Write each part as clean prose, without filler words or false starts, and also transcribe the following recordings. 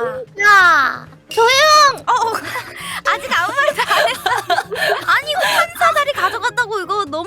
야, 조용! 아직 아무 말도 안 했어. 아니 이거 판사 자리 가져갔다고 이거 너무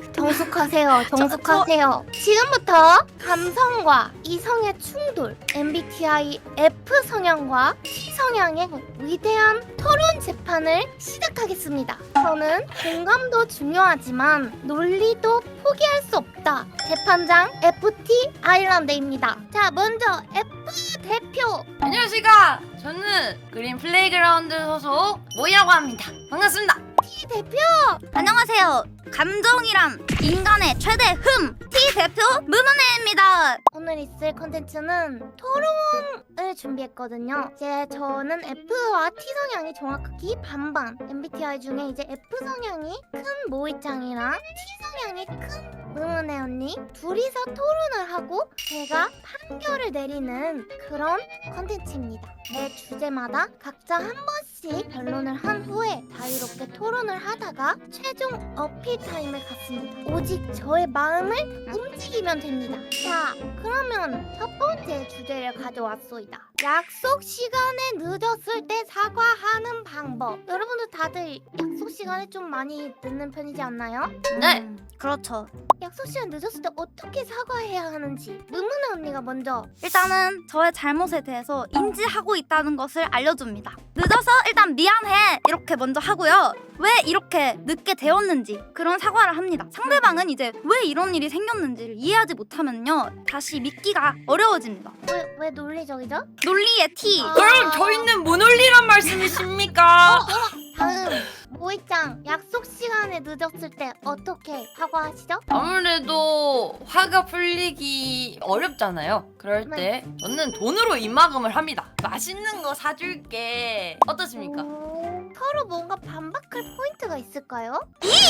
정숙하세요. 정숙하세요. 지금부터 감성과 이성의 충돌, MBTI F 성향과 T 성향의 위대한 토론 재판을 시작하겠습니다. 저는 공감도 중요하지만 논리도 포기할 수 없다. 재판장 FT 아일랜드입니다. 자, 먼저 F 대표. 안녕하십니까. 저는 그린 플레이그라운드 소속 모이라고 합니다. 반갑습니다. T 대표. 안녕하세요. 감정이란 인간의 최대 흠 T 대표 무문혜입니다. 오늘 있을 컨텐츠는 토론을 준비했거든요. 이제 저는 F와 T 성향이 정확히 반반. MBTI 중에 이제 F 성향이 큰 모이짱이랑 T 성향이 큰 무문혜 언니 둘이서 토론을 하고 제가 판결을 내리는 그런 컨텐츠입니다. 매 주제마다 각자 한 번씩 변론을 한 후에 자유롭게 토론을 하다가 최종 어필 타임을 갖습니다. 오직 저의 마음을 움직이면 됩니다. 자, 그러면 첫 번째 주제를 가져왔소이다. 약속 시간에 늦었을 때 사과하는 방법. 여러분들 다들 약속 시간에 좀 많이 늦는 편이지 않나요? 네. 그렇죠. 약속 시간 늦었을 때 어떻게 사과해야 하는지 무문혜 언니가 먼저. 일단은 저의 잘못에 대해서 인지하고 있다는 것을 알려줍니다. 늦어서 일단 미안해 이렇게 먼저 하고요. 왜 이렇게 늦게 되었는지 그런 사과를 합니다. 상대방은 이제 왜 이런 일이 생겼는지를 이해하지 못하면요 다시 믿기가 어려워집니다. 왜 논리적이죠? 논리의 T. 그럼 저희는 무논리란 말씀이십니까? 다음 모이짱 약속 시간에 늦었을 때 어떻게 사과하시죠? 아무래도 화가 풀리기 어렵잖아요. 그럴 때 저는 돈으로 입막음을 합니다. 맛있는 거 사줄게. 어떻습니까? 서로 뭔가 반박할 포인트가 있을까요?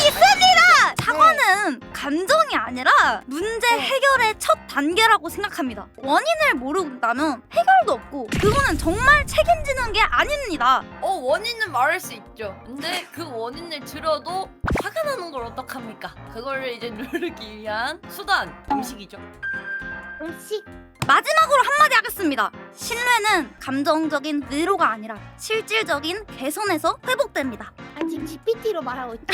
사과는 감정이 아니라 문제 해결의 첫 단계라고 생각합니다. 원인을 모른다면 해결도 없고 그거는 정말 책임지는 게 아닙니다. 원인은 말할 수 있죠. 근데 그 원인을 들어도 화가 나는 걸 어떡합니까? 그거를 이제 누르기 위한 수단, 음식이죠. 음식. 마지막으로 한마디 하겠습니다. 신뢰는 감정적인 위로가 아니라 실질적인 개선에서 회복됩니다. 지금 GPT로 말하고 있죠?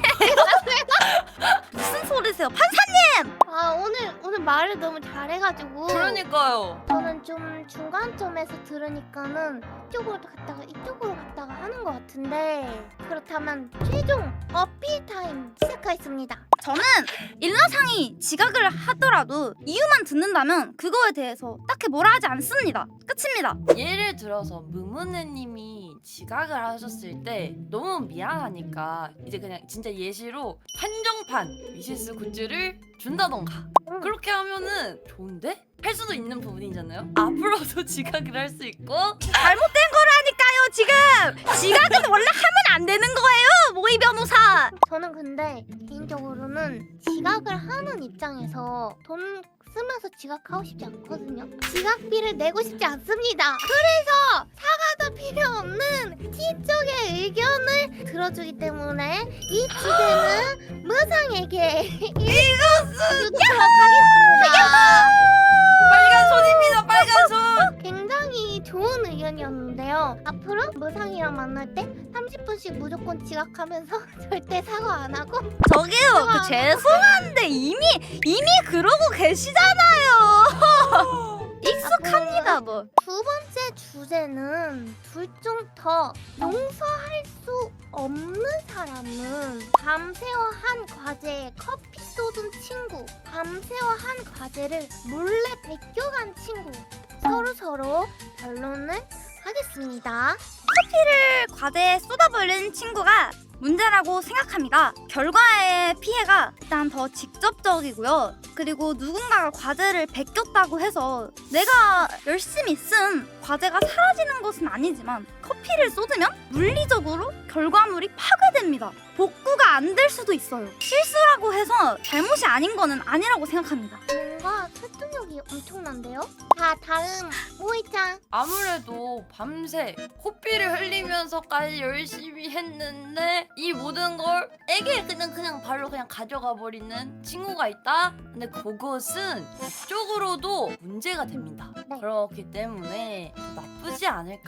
무슨 소리세요? 판사님! 오늘 말을 너무 잘해가지고. 그러니까요. 저는 좀 중간점에서 들으니까는 이쪽으로 갔다가 이쪽으로 갔다가 하는 것 같은데, 그렇다면 최종 어필 타임 시작하겠습니다. 저는 일러상이 지각을 하더라도 이유만 듣는다면 그거에 대해서 딱히 뭐라 하지 않습니다. 끝입니다. 예를 들어서 무문혜님이 지각을 하셨을 때 너무 미안하니까 이제 그냥 진짜 예시로 한정판 위시스 굿즈를 준다던가 그렇게 하면은 좋은데? 할 수도 있는 부분이잖아요. 앞으로도 지각을 할 수 있고 잘못된 거라니까요 지금! 지각은 원래 하면 안 되는 거예요 모의 변호사! 저는 근데 개인적으로는 지각을 하는 입장에서 돈 쓰면서 지각하고 싶지 않거든요. 지각비를 내고 싶지 않습니다. 그래서 사과도 필요 없는 T쪽의 의견을 들어주기 때문에 이 주제는 무상에게 이것은 하겠습니다. 빨간 손입니다. 빨간 손. 굉장히 좋은 의견이었는데요. 앞으로 무상이랑 만날 때 30분씩 무조건 지각하면서 절대 사과 안 하고. 저기요 그 죄송한데 이미 그러고 계시잖아요. 익숙합니다 뭐. 두 번째 주제는 둘 중 더 용서할 수 없는 사람은 밤새워 한 과제에 커피 쏟은 친구, 밤새워 한 과제를 몰래 베껴간 친구. 서로 변론을 하겠습니다. 커피를 과제에 쏟아버린 친구가 문제라고 생각합니다. 결과의 피해가 일단 더 직접적이고요. 그리고 누군가가 과제를 베꼈다고 해서 내가 열심히 쓴 과제가 사라지는 것은 아니지만 커피를 쏟으면 물리적으로 결과물이 파괴됩니다. 복구가 안 될 수도 있어요. 실수라고 해서 잘못이 아닌 거는 아니라고 생각합니다. 뭔가 설득력이 엄청난데요? 자, 다음 모이짱. 아무래도 밤새 코피를 흘리면서까지 열심히 했는데 이 모든 걸 에게 그냥 바로 그냥 가져가 버리는 친구가 있다? 근데 그것은 법적으로도 문제가 됩니다. 네. 그렇기 때문에 나쁘지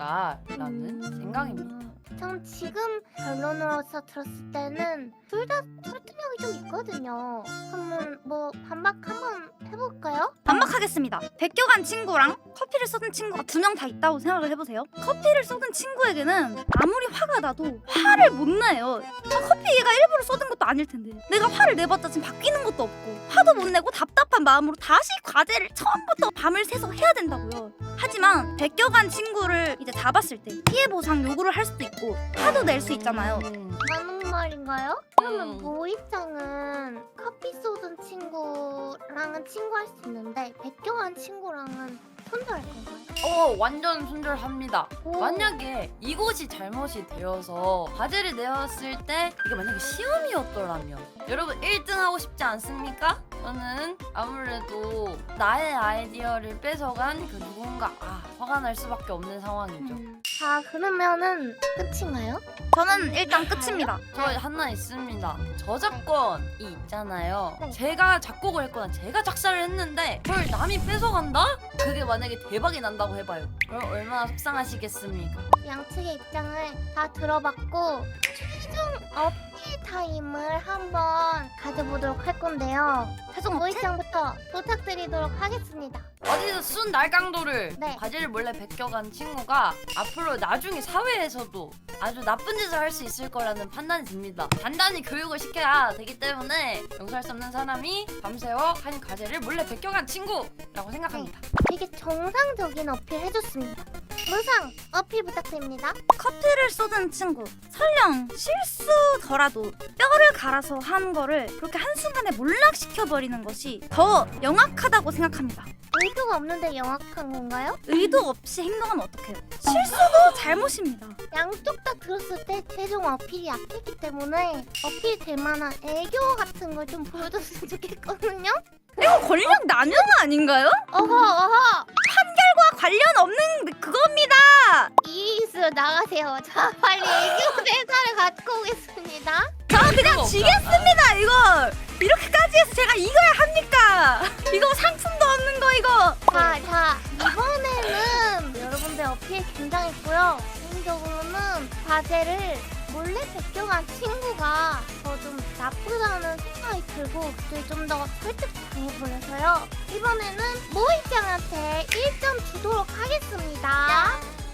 않을까라는 생각입니다. 전 지금 결론으로서 들었을 때는 둘 다 설득력이 좀 있거든요. 그러면 뭐 반박 한번 해볼까요? 반박하겠습니다. 베껴간 친구랑 커피를 쏟은 친구가 2명 다 있다고 생각을 해보세요. 커피를 쏟은 친구에게는 아무리 화가 나도 화를 못 내요. 커피 얘가 일부러 쏟은 것도 아닐 텐데 내가 화를 내봤자 지금 바뀌는 것도 없고 화도 못 내고 답답한 마음으로 다시 과제를 처음부터 밤을 새서 해야 된다고요. 하지만 베껴간 친구를 이제 잡았을 때 피해 보상 요구를 할 수도 있고 화도 낼 수 있잖아요. 맞는 말인가요? 그러면 모이짱은 커피 쏟은 친구랑은 친구할 수 있는데 베껴간 친구랑은 손절할 건가요? 완전 순절합니다. 오. 만약에 이것이 잘못이 되어서 과제를 내었을 때 이게 만약에 시험이었더라면 여러분 1등 하고 싶지 않습니까? 저는 아무래도 나의 아이디어를 뺏어간 그 누군가 화가 날 수밖에 없는 상황이죠. 자 그러면은 끝인가요? 저는 일단 끝입니다. 저 하나 있습니다. 저작권이 있잖아요. 네. 제가 작곡을 했거나 제가 작사를 했는데 그걸 남이 뺏어간다? 그게 만약에 대박이 난다고 해봐요. 그럼 얼마나 속상하시겠습니까? 양측의 입장을 다 들어봤고 최종 어필 타임을 한번 가져보도록 할 건데요. 최종 어필? 모이짱부터 부탁드리도록 하겠습니다. 어디서 순 날강도를 네. 과제를 몰래 베껴간 친구가 앞으로 나중에 사회에서도 아주 나쁜 짓을 할 수 있을 거라는 판단이 듭니다. 단단히 교육을 시켜야 되기 때문에 용서할 수 없는 사람이 밤새워 한 과제를 몰래 베껴간 친구라고 생각합니다. 되게 정상적인 어필 해줬습니다. 무상 어필 부탁드립니다. 커피를 쏟은 친구 설령 실수더라도 뼈를 갈아서 한 거를 그렇게 한순간에 몰락시켜버리는 것이 더 영악하다고 생각합니다. 의도가 없는데 영악한 건가요? 의도 없이 행동하면 어떡해요? 실수도 잘못입니다. 양쪽 다 들었을 때 최종 어필이 약했기 때문에 어필 될 만한 애교 같은 걸 좀 보여줬으면 좋겠거든요? 이거 권력 나뉘는 아닌가요? 어허 과 관련 없는 그겁니다. 이기수 나가세요. 자 빨리 애교 대사를 갖고 오겠습니다. 저 그냥 지겠습니다. 이거 이렇게까지 해서 제가 이거야 합니까? 이거 상품도 없는 거 이거. 자 이번에는 여러분들 어필 굉장했고요. 개인적으로는 과제를 몰래 베껴간 친구가 더 좀 나쁘다는 생각이 들고 그때 좀 더 설득당해버려서요. 이번에는 모이짱한테 1점 주도록 하겠습니다.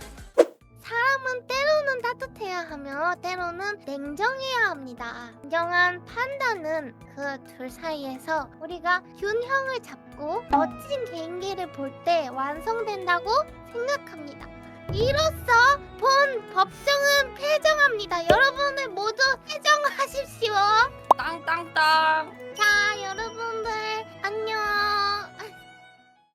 사람은 때로는 따뜻해야 하며 때로는 냉정해야 합니다. 냉정한 판단은 그 둘 사이에서 우리가 균형을 잡고 멋진 개인기를 볼 때 완성된다고 생각합니다. 이로써 본 법정은 폐정합니다. 여러분을 모두 폐정하십시오. 땅땅땅. 자